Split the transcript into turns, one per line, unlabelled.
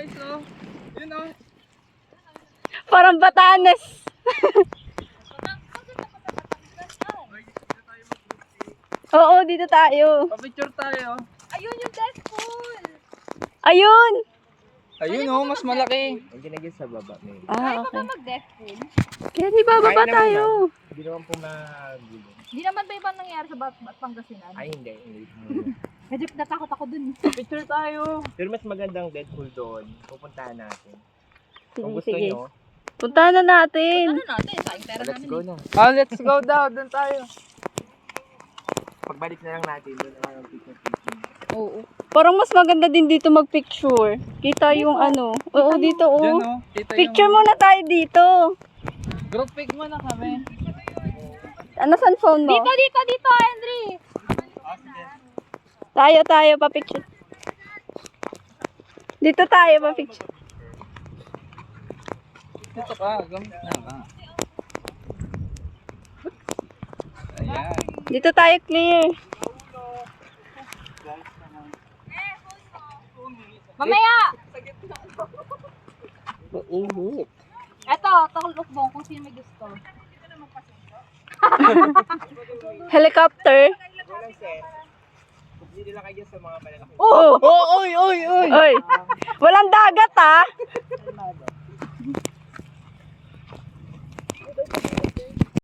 guys, oh. Yun, oh.
Parang Batanes. Oo, dito tayo.
Pa-picture tayo.
Ayun yung Deadpool.
Ayun.
Ayun, oh, mas malaki.
Ang ginagyan sa baba, may.
Ah,
Kaya pa
okay.
ba mag-Deadpool?
Kaya di ba baba
Kaya naman,
tayo?
Hindi naman po magulo.
Hindi naman ba ibang nangyari sa Pangasinan?
Ay, hindi.
Medyo natakot ako dun.
Picture tayo.
Pero mas magandang Deadpool doon. Pupuntahan natin.
Sige,
Kung gusto
sige.
nyo,
Punta na natin.
Ano natin? Sayang pera
let's
namin.
go na.
Ah, let's go daw. Doon tayo.
Pagbalik na lang natin, doon na lang picture.
Oo.
Parang mas maganda din dito magpicture. Kita yung ano. Oo, dito
Diyan,
oh.
oh. Kita
Picture
yung...
muna tayo dito.
Group pic muna kami.
Ano saan phone mo?
Dito, Henry.
Tayo, pa-picture. Dito tayo, pa-picture.
Dito ka. Gamit na ka. Ayan.
Dito tayo clear.
Mamaya!
Mainit.
Eto, tulukbong kung sino may gusto.
Helicopter.
Walang set. Hindi nila kayo sa mga malalaki.
Oh!
Oh, oy.
Oy! Walang dagat ah!